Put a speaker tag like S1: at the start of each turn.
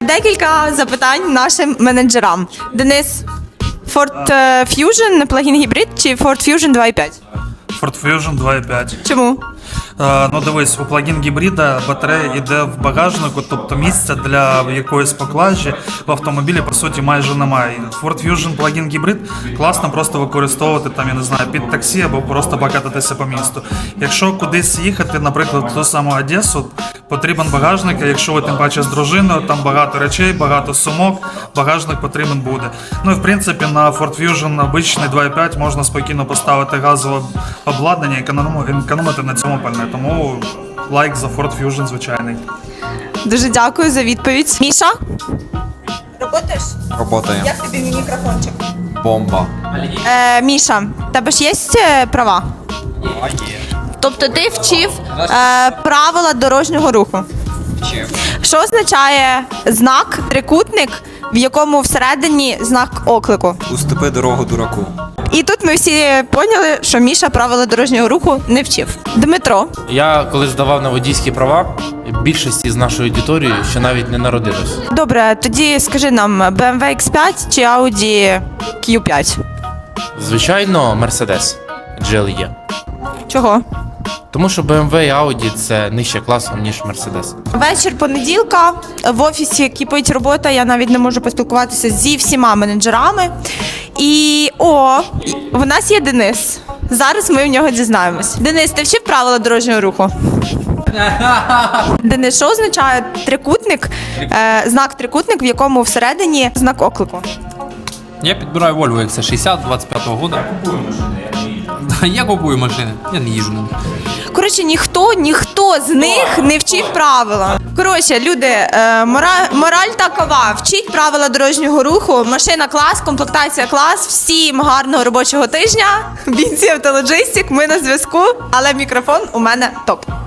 S1: Декілька запитань нашим менеджерам. Денис, Ford Fusion плагін гібрид чи Ford Fusion 2.5?
S2: Ford Fusion 2.5.
S1: Чому?
S2: Ну дивись, у плагін гібрида батарея йде в багажнику, тобто місця для якоїсь поклажі в автомобілі по суті майже немає. Ford Fusion плагін гібрид класно просто використовувати там, я не знаю, під таксі або просто покататися по місту. Якщо кудись їхати, наприклад, в ту саму Одесу, потрібен багажник, а якщо ви тим паче з дружиною, там багато речей, багато сумок, багажник потрібен буде. Ну і в принципі на Ford Fusion обичний 2.5 можна спокійно поставити газове обладнання і економити на цьому пальне. Тому лайк за Ford Fusion звичайний.
S1: Дуже дякую за відповідь. Міша? Роботаєш?
S3: Работаем.
S1: Як тобі мій мікрофончик?
S3: Бомба.
S1: Міша, в тебе ж є права? Тобто ти вчив правила дорожнього руху. Що означає знак трикутник, в якому всередині знак оклику?
S3: Уступи дорогу дураку.
S1: І тут ми всі поняли, що Міша правила дорожнього руху не вчив. Дмитро,
S4: Я коли здавав на водійські права, більшості з нашої аудиторії ще навіть не народилось.
S1: добре, тоді скажи нам, BMW X5 чи Audi Q5?
S4: Звичайно, Mercedes GLE.
S1: Чого?
S4: Тому що BMW і Audi – це нижче класом, ніж Mercedes.
S1: Вечір понеділка, в офісі кипить робота, я навіть не можу поспілкуватися зі всіма менеджерами. І в нас є Денис. Зараз ми в нього дізнаємось. Денис, ти вчив правила дорожнього руху? Денис, що означає трикутник, знак трикутник, в якому всередині знак оклику?
S5: Я підбираю Volvo XC60 25-го года. Я купую машини, я не їжджу на них.
S1: Коротше, ніхто з них не вчив правила. Коротше, люди, мораль такова. Вчіть правила дорожнього руху, машина клас, комплектація клас. Всім гарного робочого тижня. Бійці Автологистик, ми на зв'язку, але мікрофон у мене топ.